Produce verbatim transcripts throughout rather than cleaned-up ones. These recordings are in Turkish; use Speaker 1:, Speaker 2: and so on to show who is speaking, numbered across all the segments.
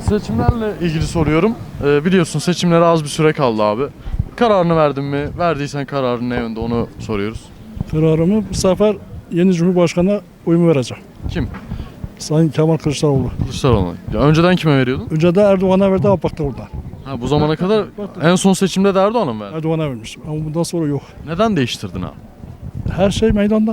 Speaker 1: Seçimlerle ilgili soruyorum. Ee, biliyorsun seçimlere az bir süre kaldı abi. Kararını verdin mi? Verdiysen kararın ne yönde onu soruyoruz.
Speaker 2: Kararımı bu sefer yeni Cumhurbaşkanı'na oyumu vereceğim.
Speaker 1: Kim?
Speaker 2: Sayın Kemal Kılıçdaroğlu.
Speaker 1: Kılıçdaroğlu. Ya önceden kime veriyordun?
Speaker 2: Önce de Erdoğan'a verdi ama baktı oradan.
Speaker 1: Ha, bu zamana kadar en son seçimde de Erdoğan'a mı verdin?
Speaker 2: Erdoğan'a vermiştim ama bundan sonra yok.
Speaker 1: Neden değiştirdin abi?
Speaker 2: Her şey meydanda.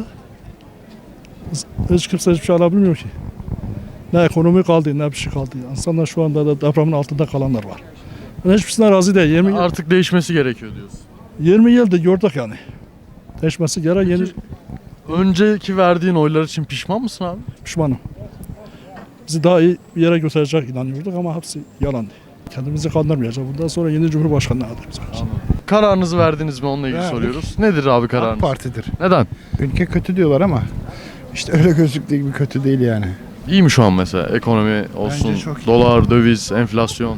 Speaker 2: Hiç kimse hiçbir şey alabilmiyor ki. Ne ekonomi kaldı ne bir şey kaldı. İnsanlar şu anda da depremin altında kalanlar var. Ben hiçbirisine razı değil. yirmi,
Speaker 1: Artık değişmesi gerekiyor diyorsun.
Speaker 2: yirmi yıldır gördük yani. Değişmesi gerek yeni
Speaker 1: Önceki verdiğin oylar için pişman mısın abi?
Speaker 2: pişmanım. Bizi daha iyi bir yere götürecek inanıyorduk ama hepsi yalandı. Kendimizi kandırmayacağız. Bundan sonra yeni Cumhurbaşkanı'na adayız.
Speaker 1: Kararınızı verdiniz mi onunla ilgili
Speaker 3: Verdik.
Speaker 1: soruyoruz. Nedir abi
Speaker 3: AK
Speaker 1: kararınız?
Speaker 3: Parti'dir.
Speaker 1: Neden?
Speaker 3: Ülke kötü diyorlar ama işte öyle gözüktüğü gibi kötü değil yani.
Speaker 1: İyi mi şu an mesela ekonomi olsun,
Speaker 3: Bence çok iyi.
Speaker 1: dolar, döviz, enflasyon?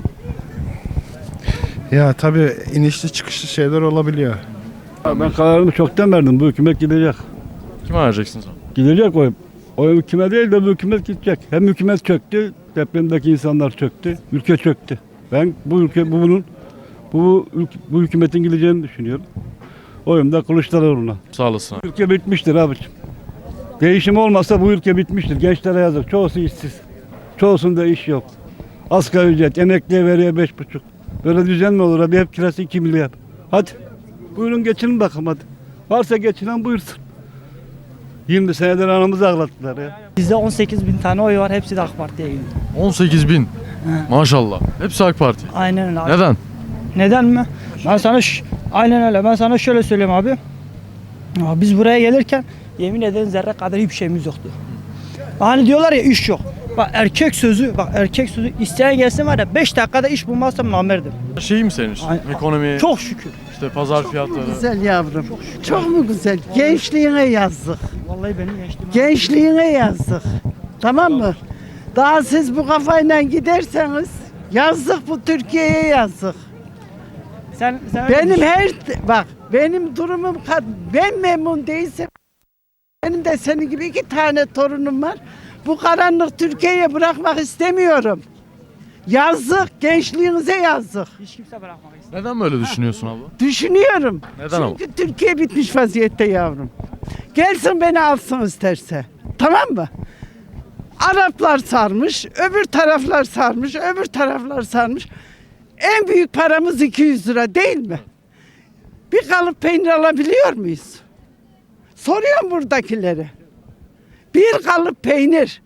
Speaker 3: Ya tabii inişli çıkışlı şeyler olabiliyor.
Speaker 4: Ben kararımı çoktan verdim. Bu hükümet gidecek.
Speaker 1: Kime vereceksiniz abi?
Speaker 4: Gidecek oyum. Oyum kime değil de bu hükümet gidecek. Hem hükümet çöktü, depremdeki insanlar çöktü, ülke çöktü. Ben bu ülke bu bunun bu ülke, bu hükümetin gideceğini düşünüyorum. Oyum da Kılıçdaroğlu'na.
Speaker 1: Sağ olasın abi.
Speaker 4: Ülke bitmiştir abiciğim. Değişim olmazsa bu ülke bitmiştir. Gençlere yazık. Çoğusu işsiz. Çoğusunda iş yok. Asgari ücret, emekliye veriyor beş buçuk. Böyle düzen mi olur abi? Hep kirası iki milyar. Hadi. Buyurun geçinin bakalım hadi. Varsa geçinen buyursun. yirmi senedir anamızı ağlattılar ya.
Speaker 5: Bizde on sekiz bin tane oy var. Hepsi de AK Parti'ye gidiyor.
Speaker 1: on sekiz bin. Maşallah. Hepsi AK Parti.
Speaker 5: Aynen öyle abi.
Speaker 1: Neden?
Speaker 5: Neden mi? Ben sana ş- aynen öyle. Ben sana şöyle söyleyeyim abi. Ya biz buraya gelirken yemin ederim zerre kadar hiçbir şeyimiz yoktu. Hani diyorlar ya iş yok. Bak erkek sözü, bak erkek sözü isteyen gelsin var ya beş dakikada iş bulmazsam namerdim.
Speaker 1: Şey mi senin için?
Speaker 5: Ay-
Speaker 1: Ekonomi,
Speaker 5: Çok şükür.
Speaker 1: işte pazar fiyatları.
Speaker 6: Güzel yavrum. Çok mu güzel? Gençliğine yazdık.
Speaker 5: Vallahi benim gençliğim.
Speaker 6: Gençliğine yazdık. Tamam mı? Daha siz bu kafayla giderseniz yazdık bu Türkiye'ye yazdık.
Speaker 5: Sen, sen öyle
Speaker 6: Benim
Speaker 5: düşün.
Speaker 6: her bak benim durumum kad- ben memnun değilsem benim de senin gibi iki tane torunum var. Bu karanlık Türkiye'ye bırakmak istemiyorum. Yazdık, gençliğinize yazdık.
Speaker 5: Hiç kimse bırakmak istemiyor.
Speaker 1: Neden böyle düşünüyorsun abla?
Speaker 6: Düşünüyorum.
Speaker 1: Neden ama?
Speaker 6: Çünkü Türkiye bitmiş vaziyette yavrum. Gelsin beni alsın isterse. Tamam mı? Araplar sarmış, öbür taraflar sarmış, öbür taraflar sarmış. En büyük paramız iki yüz lira değil mi? Bir kalıp peynir alabiliyor muyuz? Soruyorum buradakileri. Bir kalıp peynir.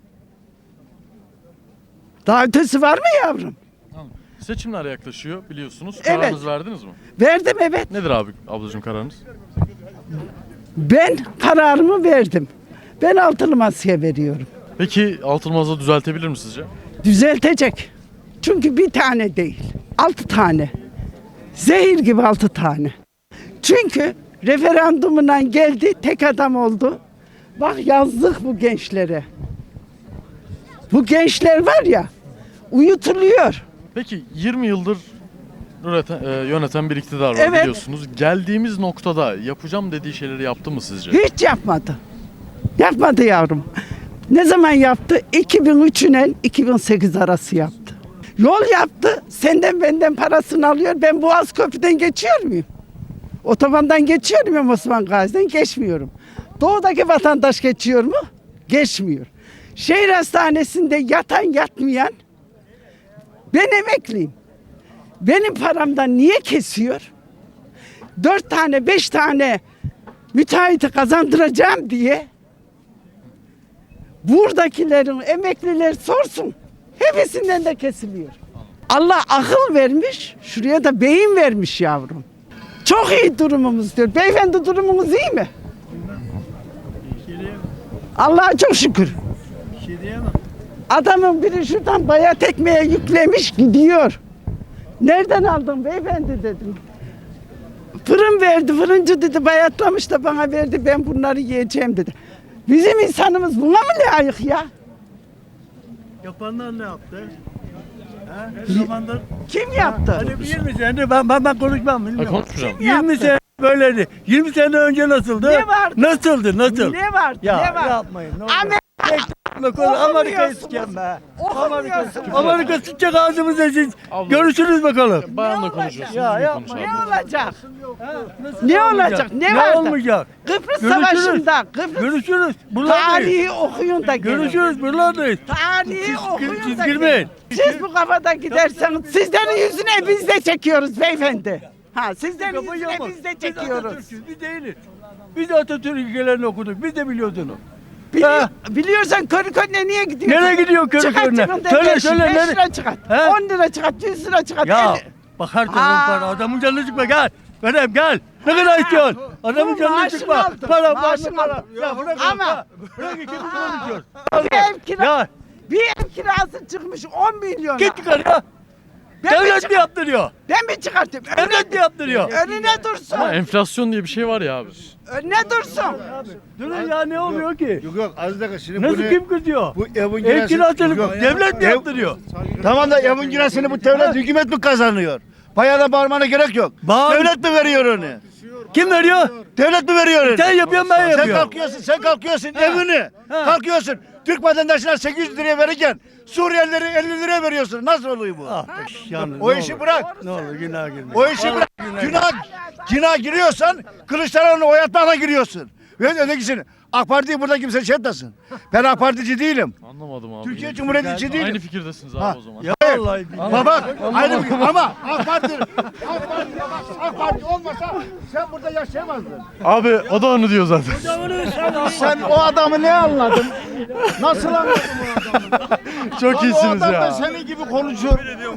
Speaker 6: Daha ötesi var mı yavrum?
Speaker 1: Seçimler yaklaşıyor biliyorsunuz.
Speaker 6: Evet.
Speaker 1: Kararınızı verdiniz mi?
Speaker 6: Verdim evet.
Speaker 1: Nedir abi ablacığım kararınız?
Speaker 6: Ben kararımı verdim. Ben altılı masaya veriyorum.
Speaker 1: Peki Altınmaz'ı düzeltebilir mi sizce?
Speaker 6: Düzeltecek. Çünkü bir tane değil. Altı tane. Zehir gibi altı tane. Çünkü referandumdan geldi, tek adam oldu. Bak yazdık bu gençlere. Bu gençler var ya, uyutuluyor.
Speaker 1: Peki yirmi yıldır üreten, e, yöneten bir iktidar var
Speaker 6: Evet.
Speaker 1: biliyorsunuz. Geldiğimiz noktada yapacağım dediği şeyleri yaptı mı sizce?
Speaker 6: Hiç yapmadı. Yapmadı yavrum. Ne zaman yaptı? iki bin üç ile iki bin sekiz arası yaptı. Yol yaptı. Senden benden parasını alıyor. Ben Boğaz Köprü'den geçiyor muyum? Otobandan geçiyor muyum Osman Gazi'den? Geçmiyorum. Doğudaki vatandaş geçiyor mu? Geçmiyor. Şehir hastanesinde yatan yatmayan ben emekliyim. Benim paramdan niye kesiyor? Dört tane beş tane müteahhiti kazandıracağım diye buradakilerin emekliler sorsun. Hepsinden de kesiliyor. Allah akıl vermiş, şuraya da beyin vermiş yavrum. Çok iyi durumumuz diyor. Beyefendi durumunuz iyi mi? Allah'a çok şükür. Adamın biri şuradan bayat ekmeğe yüklemiş gidiyor. Nereden aldın beyefendi dedim. Fırın verdi, fırıncı dedi bayatlamış da bana verdi ben bunları yiyeceğim dedi. Bizim insanımız buna mı layık ya?
Speaker 7: Yapanlar ne yaptı? Ha? Ne zamandır?
Speaker 6: Kim yaptı?
Speaker 7: Hani yirmi sene ben, ben, ben konuşmam
Speaker 1: Ha,
Speaker 7: bilmiyorum.
Speaker 1: konuşmayacağım.
Speaker 7: yirmi
Speaker 6: yaptı?
Speaker 7: sene böyleydi. yirmi sene önce nasıldı?
Speaker 6: Ne vardı?
Speaker 7: Nasıldı? Nasıl?
Speaker 6: Ne vardı?
Speaker 7: Ya
Speaker 6: ne vardı?
Speaker 7: yapmayın. Ne olur.
Speaker 6: Amerika
Speaker 7: Gitme konu Amerika'yı
Speaker 6: Okumuyorsunuz.
Speaker 7: sikeyim be.
Speaker 6: Okumuyorsunuz.
Speaker 7: Amerika sıçacak ağzımıza siz.
Speaker 1: Abla.
Speaker 7: Görüşürüz bakalım.
Speaker 1: Bayanla konuşuyorsunuz.
Speaker 7: Ya,
Speaker 1: düzgün
Speaker 7: yapma
Speaker 1: konuş
Speaker 6: Ne
Speaker 1: abi.
Speaker 6: olacak?
Speaker 7: Nasıl
Speaker 6: Ne olacak? Ne vardı?
Speaker 7: olmayacak?
Speaker 6: Kıbrıs
Speaker 7: Görüşürüz.
Speaker 6: Savaşı'nda, Kıbrıs
Speaker 7: Görüşürüz. Buralardayız.
Speaker 6: tarihi okuyun da gelin.
Speaker 7: Görüşürüz. Buralardayız.
Speaker 6: Tarihi
Speaker 7: Siz,
Speaker 6: okuyun
Speaker 7: siz
Speaker 6: da
Speaker 7: girmeyin.
Speaker 6: gelin. Siz bu kafada giderseniz sizlerin yüzüne biz de çekiyoruz beyefendi. Ha sizlerin
Speaker 7: Kafayı
Speaker 6: yüzüne
Speaker 7: yapma.
Speaker 6: biz de
Speaker 7: Biz
Speaker 6: çekiyoruz.
Speaker 7: Atatürk'üz, biz değiliz. Biz de Atatürk ilkelerini okuduk. Biz de biliyoruz onu.
Speaker 6: Biliyor,
Speaker 7: Ha.
Speaker 6: biliyorsan körü körüne niye gidiyorsun?
Speaker 7: Nereye gidiyor körü
Speaker 6: Çıkart
Speaker 7: körüne?
Speaker 6: cebinde
Speaker 7: Söyle,
Speaker 6: beş,
Speaker 7: söyle,
Speaker 6: beş
Speaker 7: nereye?
Speaker 6: lira çıkart.
Speaker 7: He?
Speaker 6: on lira çıkart, yüz lira çıkart.
Speaker 7: Ya
Speaker 6: elli.
Speaker 7: bakar
Speaker 6: Aa.
Speaker 7: para adamın canını sıkma gel. Verem gel. Ne kadar istiyorsun? Adamın
Speaker 6: bu
Speaker 7: canını
Speaker 6: maaşını
Speaker 7: sıkma.
Speaker 6: aldım,
Speaker 7: Para
Speaker 6: maaşını
Speaker 7: para para.
Speaker 6: aldım.
Speaker 7: Ya bırak
Speaker 6: Ama-
Speaker 7: ama. Bırak iki konuşuyoruz.
Speaker 6: Bir ev, kira,
Speaker 7: Ya
Speaker 6: bir ev kirası çıkmış on milyon.
Speaker 7: git yukarıya.
Speaker 6: Ben mi,
Speaker 7: Devlet mi
Speaker 6: çıkart-
Speaker 7: yaptırıyor?
Speaker 6: ben mi çıkartayım?
Speaker 7: Devlet mi yaptırıyor?
Speaker 6: Önüne dursun.
Speaker 1: Ama enflasyon diye bir şey var ya abi.
Speaker 6: Önüne dursun.
Speaker 7: Durun ya ne oluyor ki?
Speaker 3: Yok yok az dakika şimdi
Speaker 7: Nasıl
Speaker 3: bunu-
Speaker 7: kim kızıyor?
Speaker 3: Bu evin
Speaker 7: Ev kirasını
Speaker 3: Yok,
Speaker 7: devlet mi
Speaker 3: ev-
Speaker 7: yaptırıyor?
Speaker 3: Tamam da evin kirasını bu devlet hükümet mi kazanıyor? Bayağı da bağırmana gerek yok.
Speaker 7: Bağır-
Speaker 3: Devlet mi veriyor onu?
Speaker 7: Kim veriyor?
Speaker 3: Devlet mi veriyor onu?
Speaker 7: Sen yapıyorsun ben
Speaker 3: Sen
Speaker 7: yapıyorum.
Speaker 3: kalkıyorsun, sen kalkıyorsun evini.
Speaker 7: Ha.
Speaker 3: Kalkıyorsun. Türk vatandaşına sekiz yüz liraya verirken Suriyelilere elli liraya veriyorsun. Nasıl oluyor bu?
Speaker 7: Ah be, yalnız
Speaker 3: O
Speaker 7: ne
Speaker 3: işi
Speaker 7: olur.
Speaker 3: bırak.
Speaker 7: Ne olur günah girme.
Speaker 3: O işi bırak. Günah, günah giriyorsan Kılıçdaroğlu'nu oyatmakla giriyorsun. Ve ötekisini. AK Parti'yi burada kimse şey etmesin. Ben AK Partici değilim.
Speaker 1: Anlamadım abi.
Speaker 3: Türkiye Cumhuriyeti değilim.
Speaker 1: Aynı fikirdesiniz abi
Speaker 3: Ha.
Speaker 1: o zaman.
Speaker 7: Ya vallahi billahi.
Speaker 3: Baba aynı bir- ama AK Parti AK Parti AK Parti olmasa sen burada yaşayamazdın.
Speaker 1: Abi o da onu diyor zaten.
Speaker 3: Sen o adamı ne anladın? Nasıl anladın o adamı?
Speaker 1: Çok
Speaker 3: Lan o
Speaker 1: iyisiniz
Speaker 3: adam da
Speaker 1: ya.
Speaker 3: senin gibi konuşuyor.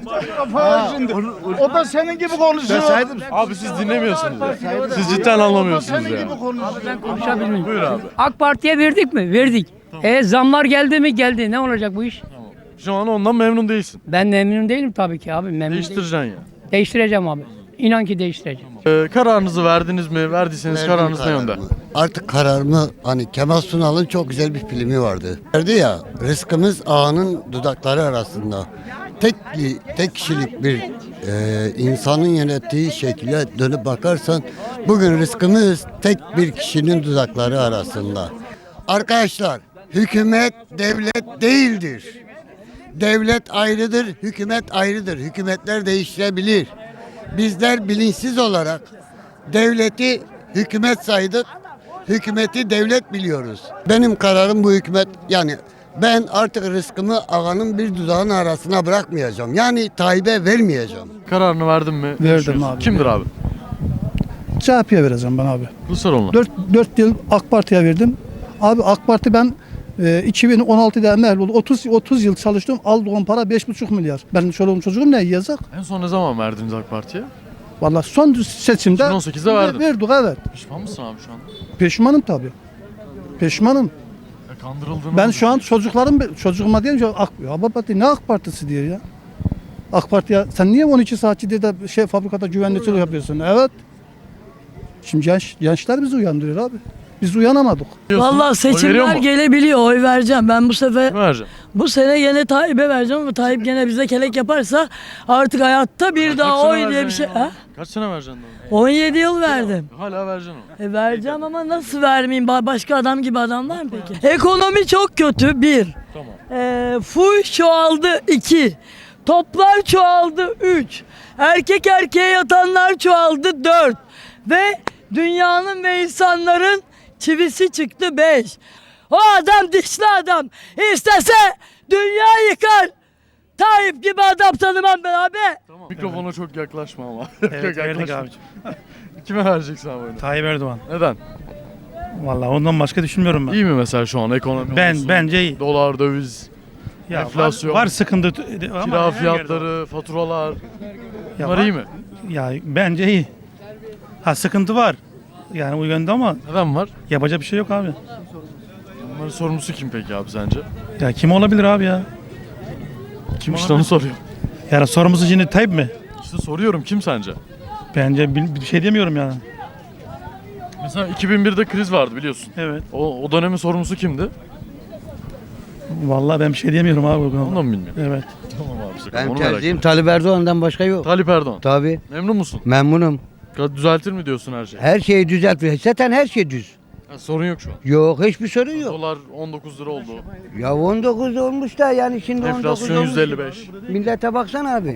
Speaker 3: Ha, şimdi. O da senin gibi konuşuyor. Ben saydım.
Speaker 1: Abi siz dinlemiyorsunuz ya. Siz cidden anlamıyorsunuz
Speaker 3: Senin
Speaker 1: ya.
Speaker 3: gibi konuşuyor.
Speaker 8: Konuşabilir
Speaker 1: Buyur abi.
Speaker 8: AK Parti'ye verdik mi? Verdik. E zamlar geldi mi? Geldi. Ne olacak bu iş?
Speaker 1: Şu an ondan memnun değilsin.
Speaker 8: Ben memnun değilim tabii ki abi. Memnun değilim.
Speaker 1: Değiştireceksin ya.
Speaker 8: Değiştireceğim abi. İnan ki değiştireceğim.
Speaker 1: Ee, kararınızı verdiniz mi? Verdiyseniz
Speaker 9: Verdim
Speaker 1: kararınız ne yönde?
Speaker 9: kararımı. Artık kararımı hani Kemal Sunal'ın çok güzel bir filmi vardı. Derdi ya rızkımız ağanın dudakları arasında. Tek tek kişilik bir e, insanın yönettiği şekilde dönüp bakarsan bugün rızkımız tek bir kişinin dudakları arasında. Arkadaşlar hükümet devlet değildir. Devlet ayrıdır, hükümet ayrıdır. Hükümetler değiştirebilir. Bizler bilinçsiz olarak devleti hükümet saydık, hükümeti devlet biliyoruz. Benim kararım bu hükümet, yani ben artık rızkımı ağanın bir dudağının arasına bırakmayacağım. Yani Tayyip'e vermeyeceğim.
Speaker 1: Kararını verdin mi? Ne
Speaker 2: Verdim
Speaker 1: düşünüyorsun?
Speaker 2: abi.
Speaker 1: Kimdir abi?
Speaker 2: C H P'ye vereceğim ben abi.
Speaker 1: Kılıçdaroğlu'na.
Speaker 2: dört yıl AK Parti'ye verdim. Abi AK Parti ben e, iki bin on altıda emekli oldum. otuz otuz yıl çalıştım. Aldığım para beş buçuk milyar. Benim çoluğum çocuğum ne yiyecek?
Speaker 1: En son ne zaman verdiniz AK Parti'ye?
Speaker 2: Vallahi son seçimde
Speaker 1: iki bin on sekizde verdin.
Speaker 2: verdik evet.
Speaker 1: Pişman mısın abi şu an?
Speaker 2: Pişmanım tabii. Pişmanım.
Speaker 1: Ya kandırıldığını
Speaker 2: Ben
Speaker 1: mı
Speaker 2: şu an çocuklarım çocuğuma diyeyim ki AK, ya baba ne AK Partisi diyor ya. AK Parti ya sen niye on iki saatçi diye de şey fabrikada güvenlikçilik yapıyorsun? Evet. Şimdi genç, gençler bizi uyandırıyor abi. Biz uyanamadık.
Speaker 1: düşünüyorsun?
Speaker 10: Vallahi
Speaker 1: Oy veriyor
Speaker 10: seçimler
Speaker 1: mu?
Speaker 10: gelebiliyor. Oy vereceğim. Ben bu sefer
Speaker 1: Kime vereceksin?
Speaker 10: bu sene gene Tayyip'e vereceğim ama Tayyip gene bize kelek yaparsa artık hayatta bir
Speaker 1: Kaç
Speaker 10: daha
Speaker 1: sene
Speaker 10: oy diye bir
Speaker 1: vereceksin
Speaker 10: şey.
Speaker 1: ya?
Speaker 10: Ha?
Speaker 1: Kaç sene vereceksin? daha?
Speaker 10: on yedi yıl verdim.
Speaker 1: Hala vereceksin onu.
Speaker 10: E vereceğim ama nasıl vermeyeyim? Ba- Başka adam gibi adam var mı peki? Ekonomi çok kötü. Bir.
Speaker 1: Tamam.
Speaker 10: E, fuş çoğaldı. iki. Toplar çoğaldı. Üç. Erkek erkeğe yatanlar çoğaldı. Dört. Ve dünyanın ve insanların çivisi çıktı. Beş. O adam dişli adam. İstese dünya yıkar. Tayyip gibi adam tanımam ben abi.
Speaker 1: Tamam. Mikrofona çok yaklaşma ama.
Speaker 11: Evet
Speaker 1: Çok
Speaker 11: verdik
Speaker 1: yaklaşma.
Speaker 11: abi.
Speaker 1: Kime vereceksin abi oyunu?
Speaker 11: Tayyip Erdoğan.
Speaker 1: Neden?
Speaker 11: Vallahi ondan başka düşünmüyorum ben.
Speaker 1: İyi mi mesela şu an ekonomi
Speaker 11: Ben
Speaker 1: olsun?
Speaker 11: bence iyi.
Speaker 1: Dolar, döviz,
Speaker 11: Ya
Speaker 1: enflasyon,
Speaker 11: Var, var sıkıntı ama
Speaker 1: kira
Speaker 11: her yerde
Speaker 1: fiyatları, faturalar.
Speaker 11: var. Ya
Speaker 1: Bunlar
Speaker 11: var.
Speaker 1: iyi mi?
Speaker 11: Ya bence iyi. Ha sıkıntı var. Yani o yönde ama
Speaker 1: Neden var?
Speaker 11: yapacak bir şey yok abi.
Speaker 1: Bunların sorumlusu kim peki abi sence?
Speaker 11: Ya kim olabilir abi ya?
Speaker 1: Kim işte onu soruyorum.
Speaker 11: Yani sorumlusu şimdi Tayyip mi?
Speaker 1: İşte soruyorum kim sence?
Speaker 11: Bence bir, bir şey demiyorum yani.
Speaker 1: Mesela iki bin birde kriz vardı biliyorsun.
Speaker 11: Evet.
Speaker 1: O, o dönemin sorumlusu kimdi?
Speaker 11: Vallahi ben bir şey diyemiyorum abi.
Speaker 1: Onu da mı bilmiyorum?
Speaker 11: Evet.
Speaker 1: Tamam abi. Sakın.
Speaker 12: Ben
Speaker 1: Onu merak
Speaker 12: tercihim
Speaker 1: ettim.
Speaker 12: Tayyip Erdoğan'dan başka yok.
Speaker 1: Tayyip Erdoğan.
Speaker 12: Tabii.
Speaker 1: Memnun musun?
Speaker 12: Memnunum.
Speaker 1: Düzeltir mi diyorsun her şeyi?
Speaker 12: Her şeyi düzeltiyor. Zaten her şey düz.
Speaker 1: Ha, sorun yok şu an.
Speaker 12: Yok, hiçbir sorun yok.
Speaker 1: Dolar on dokuz lira oldu.
Speaker 12: Ya on dokuz olmuş da yani şimdi on dokuz
Speaker 1: Enflasyon
Speaker 12: olmuş.
Speaker 1: yüzde elli beş.
Speaker 12: Millete baksana abi.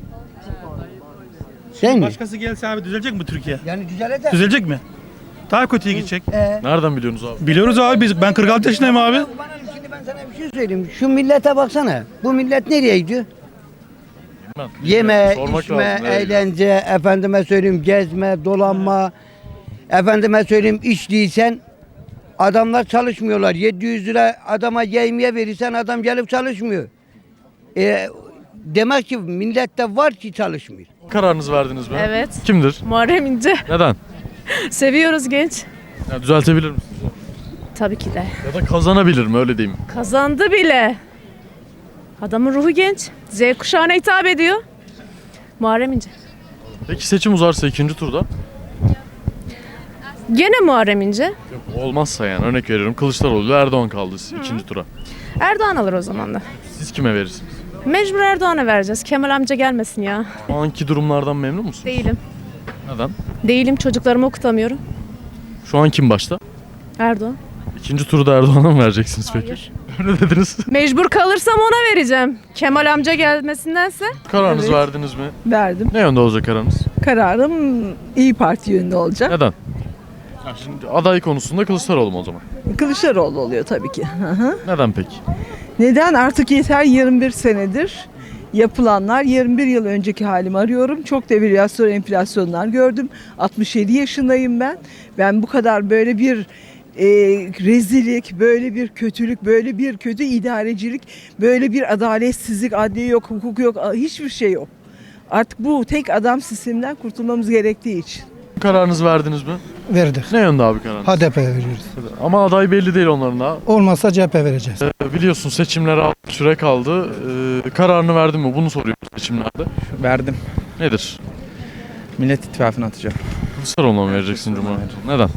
Speaker 12: Sen mi?
Speaker 11: Başkası gelse abi düzelecek mi Türkiye?
Speaker 12: Yani düzelecek.
Speaker 11: Düzelecek mi? Daha kötüye gidecek.
Speaker 1: Nereden biliyorsunuz abi?
Speaker 11: Biliyoruz abi biz. Ben kırk altı yaşındayım abi.
Speaker 12: Bana şimdi ben sana bir şey söyleyeyim. Şu millete baksana. Bu millet nereye gidiyor?
Speaker 1: Bilmem.
Speaker 12: Yeme,
Speaker 1: Sormak
Speaker 12: içme,
Speaker 1: lazım, nereye gidiyor?
Speaker 12: eğlence, efendime söyleyeyim gezme, dolanma. Efendime söyleyeyim iş değilsen adamlar çalışmıyorlar. yedi yüz lira adama yemeğe verirsen adam gelip çalışmıyor. E, demek ki millette var ki çalışmıyor.
Speaker 1: Kararınızı verdiniz mi?
Speaker 10: Evet.
Speaker 1: Kimdir?
Speaker 10: Muharrem İnce.
Speaker 1: Neden?
Speaker 10: Seviyoruz genç.
Speaker 1: Ya düzeltebilir misiniz?
Speaker 10: Tabii ki de.
Speaker 1: Ya da kazanabilir mi öyle diyeyim.
Speaker 10: Kazandı bile. Adamın ruhu genç. Z kuşağına hitap ediyor. Muharrem İnce.
Speaker 1: Peki seçim uzarsa ikinci turda?
Speaker 10: Gene Muharrem İnce.
Speaker 1: Yok, olmazsa yani örnek veriyorum Kılıçdaroğlu Erdoğan kaldı ikinci tura.
Speaker 10: Erdoğan alır o zaman da.
Speaker 1: Siz kime verirsiniz?
Speaker 10: Mecbur Erdoğan'a vereceğiz. Kemal amca gelmesin ya.
Speaker 1: Şu anki durumlardan memnun musunuz?
Speaker 10: Değilim.
Speaker 1: Neden?
Speaker 10: Değilim. Çocuklarımı okutamıyorum.
Speaker 1: Şu an kim başta?
Speaker 10: Erdoğan.
Speaker 1: İkinci turda Erdoğan'a mı vereceksiniz peki?
Speaker 10: Hayır.
Speaker 1: Öyle dediniz.
Speaker 10: Mecbur kalırsam ona vereceğim. Kemal amca gelmesindense.
Speaker 1: Kararınızı
Speaker 6: Evet.
Speaker 1: verdiniz mi?
Speaker 6: Verdim.
Speaker 1: Ne yönde olacak kararınız?
Speaker 6: Kararım İyi Parti yönünde olacak.
Speaker 1: Neden? Ya şimdi aday konusunda Kılıçdaroğlu mu o zaman?
Speaker 6: Kılıçdaroğlu oluyor tabii ki. Hı hı.
Speaker 1: Neden peki?
Speaker 6: Neden? Artık yeter, yirmi bir senedir yapılanlar, yirmi bir yıl önceki halimi arıyorum. Çok devalüasyon, enflasyonlar gördüm. altmış yedi yaşındayım ben. Ben bu kadar böyle bir e, rezillik, böyle bir kötülük, böyle bir kötü idarecilik, böyle bir adaletsizlik, adliye yok, hukuk yok, hiçbir şey yok. Artık bu tek adam sisteminden kurtulmamız gerektiği için.
Speaker 1: Kararınızı verdiniz mi?
Speaker 2: Verdik.
Speaker 1: Ne yönde abi kararınız?
Speaker 2: H D P'ye veriyoruz.
Speaker 1: Ama aday belli değil onların daha.
Speaker 2: Olmazsa C H P vereceğiz.
Speaker 1: Ee, biliyorsun seçimlere az süre kaldı. Ee, kararını verdin mi? Bunu soruyoruz seçimlerde.
Speaker 13: Verdim.
Speaker 1: Nedir?
Speaker 13: Millet İttifakı'na atacağım.
Speaker 1: Kılıçdaroğlu'na mı vereceksin Cumhurbaşkanı? Neden?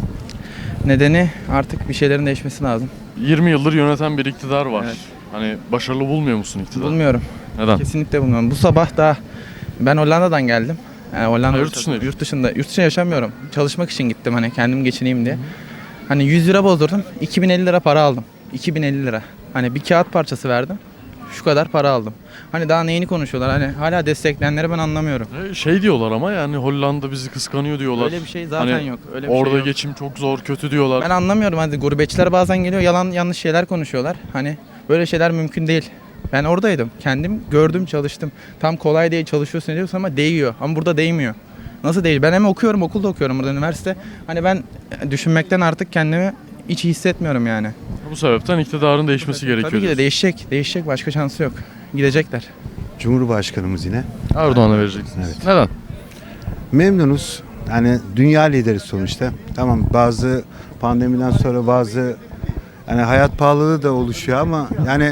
Speaker 13: Nedeni artık bir şeylerin değişmesi lazım.
Speaker 1: yirmi yıldır yöneten bir iktidar var.
Speaker 13: Evet.
Speaker 1: Hani başarılı bulmuyor musun iktidarı?
Speaker 13: Bulmuyorum.
Speaker 1: Neden?
Speaker 13: Kesinlikle bulmuyorum. Bu sabah da ben Hollanda'dan geldim. Yani Hollanda
Speaker 1: Ha, yurt dışında.
Speaker 13: Yurt dışında. Yurt dışında yaşamıyorum. Çalışmak için gittim hani kendim geçineyim diye. Hani yüz lira bozdurdum. iki bin elli lira para aldım. iki bin elli lira. Hani bir kağıt parçası verdim. Şu kadar para aldım. Hani daha neyini konuşuyorlar? Hani hala destekleyenleri ben anlamıyorum.
Speaker 1: Ee, Şey diyorlar ama yani Hollanda bizi kıskanıyor diyorlar.
Speaker 13: Öyle bir şey zaten
Speaker 1: Hani
Speaker 13: yok. Öyle bir
Speaker 1: Orada
Speaker 13: şey yok.
Speaker 1: geçim çok zor, kötü diyorlar.
Speaker 13: Ben anlamıyorum. Hani gurbetçiler bazen geliyor yalan yanlış şeyler konuşuyorlar. Hani böyle şeyler mümkün değil. Ben oradaydım. Kendim gördüm, çalıştım. Tam kolay değil çalışıyorsun diyorsun ama değiyor. Ama burada değmiyor. Nasıl değil? Ben hem okuyorum, okulda okuyorum burada üniversite. Hani ben düşünmekten artık kendimi hiç iyi hissetmiyorum yani.
Speaker 1: Bu sebepten iktidarın değişmesi gerekiyor.
Speaker 13: Tabii ki de
Speaker 1: diyorsun.
Speaker 13: değişecek. Değişecek. Başka şansı yok. Gidecekler.
Speaker 14: Cumhurbaşkanımız yine.
Speaker 1: Erdoğan'a vereceksiniz.
Speaker 14: Evet.
Speaker 1: Neden?
Speaker 14: Memnunuz. Yani dünya lideri sonuçta. Tamam bazı pandemiden sonra bazı yani hayat pahalılığı da oluşuyor ama yani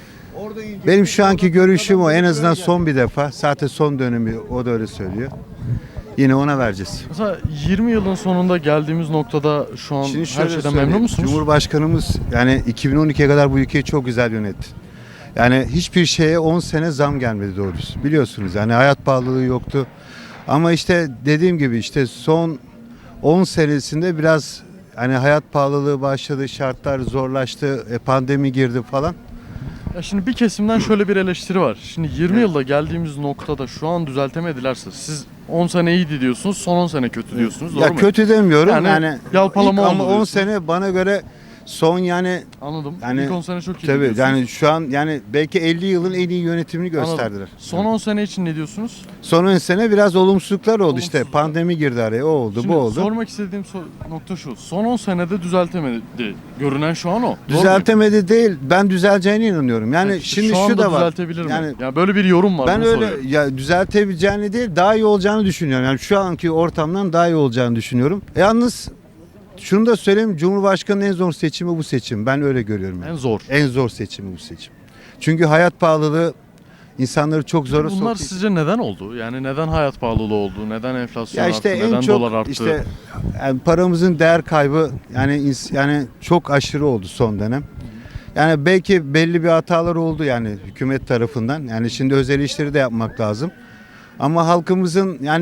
Speaker 14: benim şu anki görüşüm o. En azından son bir defa. Zaten son dönemi o da öyle söylüyor. Yine ona vereceğiz.
Speaker 1: Mesela yirmi yılın sonunda geldiğimiz noktada şu an
Speaker 14: Şimdi
Speaker 1: her
Speaker 14: şöyle
Speaker 1: şeyden
Speaker 14: söyleyeyim.
Speaker 1: memnun musunuz?
Speaker 14: Cumhurbaşkanımız yani iki bin on ikiye kadar bu ülkeyi çok güzel yönetti. Yani hiçbir şeye on sene zam gelmedi doğrusu. Biliyorsunuz yani hayat pahalılığı yoktu. Ama işte dediğim gibi işte son on senesinde biraz hani hayat pahalılığı başladı, şartlar zorlaştı, e, pandemi girdi falan.
Speaker 1: Ya şimdi bir kesimden şöyle bir eleştiri var. Şimdi yirmi yılda geldiğimiz noktada şu an düzeltemedilerse siz on sene iyiydi diyorsunuz, son on sene kötü diyorsunuz. Doğru
Speaker 14: Ya
Speaker 1: mu?
Speaker 14: kötü demiyorum
Speaker 1: Yani
Speaker 14: yani,
Speaker 1: yalpalama
Speaker 14: ilk
Speaker 1: oldu
Speaker 14: ama on
Speaker 1: diyorsun.
Speaker 14: sene bana göre son yani
Speaker 1: Anladım.
Speaker 14: yani
Speaker 1: İlk on sene çok iyi
Speaker 14: tabii
Speaker 1: diyorsunuz.
Speaker 14: yani şu an yani belki elli yılın en iyi yönetimini
Speaker 1: Anladım.
Speaker 14: gösterdiler.
Speaker 1: Son on sene için ne diyorsunuz?
Speaker 14: Son on sene biraz olumsuzluklar oldu işte.
Speaker 1: Olumsuzluklar.
Speaker 14: Pandemi girdi araya. O oldu,
Speaker 1: Şimdi
Speaker 14: bu oldu.
Speaker 1: sormak istediğim so- nokta şu. Son on senede düzeltemedi. Görünen şu an o. Doğru mu?
Speaker 14: Düzeltemedi değil. Ben düzeleceğine inanıyorum. Yani
Speaker 1: Evet,
Speaker 14: şimdi
Speaker 1: şu
Speaker 14: şu,
Speaker 1: anda
Speaker 14: da var.
Speaker 1: düzeltebilir mi?
Speaker 14: Yani
Speaker 1: Ya böyle bir yorum var.
Speaker 14: ben
Speaker 1: bunu
Speaker 14: öyle
Speaker 1: soruyorum.
Speaker 14: ya düzeltebileceğini değil, daha iyi olacağını düşünüyorum. Yani şu anki ortamdan daha iyi olacağını düşünüyorum. Yalnız şunu da söyleyeyim. Cumhurbaşkanının en zor seçimi bu seçim. Ben öyle görüyorum. Yani.
Speaker 1: En zor.
Speaker 14: En zor seçimi bu seçim. Çünkü hayat pahalılığı insanları çok zora
Speaker 1: Bunlar
Speaker 14: soktu.
Speaker 1: sizce neden oldu? Yani neden hayat pahalılığı oldu? Neden enflasyon
Speaker 14: Ya işte
Speaker 1: arttı?
Speaker 14: en
Speaker 1: Neden
Speaker 14: çok
Speaker 1: dolar arttı?
Speaker 14: işte yani paramızın değer kaybı yani ins- yani çok aşırı oldu son dönem. Yani belki belli bir hatalar oldu yani hükümet tarafından. Yani şimdi özel işleri de yapmak lazım. Ama halkımızın yani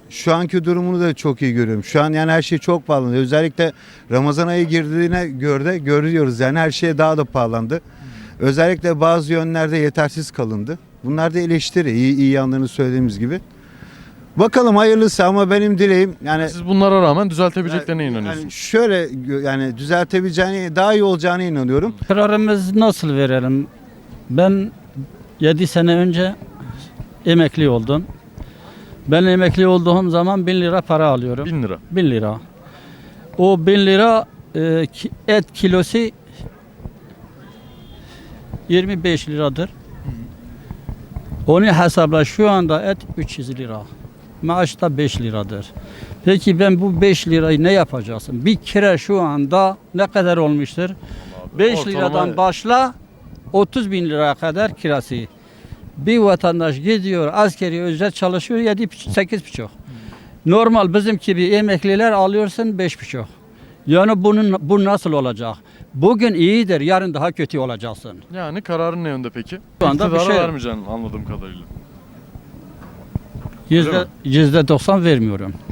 Speaker 14: şu anki durumunu da çok iyi görüyorum. Şu an yani her şey çok pahalandı. Özellikle Ramazan ayı girdiğine göre görüyoruz yani her şey daha da pahalandı. Özellikle bazı yönlerde yetersiz kalındı. Bunlar da eleştiri. İyi, iyi yanlarını söylediğimiz gibi. Bakalım hayırlısı ama benim dileğim yani
Speaker 1: Siz bunlara rağmen düzeltebileceklerine inanıyorsunuz.
Speaker 14: yani şöyle gö- yani düzeltebileceğine, daha iyi olacağına inanıyorum.
Speaker 15: Kararımızı nasıl verelim? Ben yedi sene önce emekli oldum. Ben emekli olduğum zaman bin lira para alıyorum.
Speaker 1: bin lira.
Speaker 15: bin lira. O bin lira e, ki- et kilosu yirmi beş liradır. Onu hesapla şu anda et üç yüz lira. Maaş da beş liradır. Peki ben bu beş lirayı ne yapacaksın? Bir kere şu anda ne kadar olmuştur? beş
Speaker 1: ortalama-
Speaker 15: liradan başla otuz bin liraya kadar kirası. Bir vatandaş gidiyor askeri ücret çalışıyor yedi sekiz buçuk. Normal bizim gibi emekliler alıyorsun beş buçuk. Yani bunun bu nasıl olacak? Bugün iyidir, yarın daha kötü olacaksın.
Speaker 1: Yani kararın ne yönde peki?
Speaker 15: Şu anda bir
Speaker 1: İktidara
Speaker 15: şey yok.
Speaker 1: vermeyeceksin anladığım kadarıyla.
Speaker 15: Yüzde, yüzde doksan vermiyorum.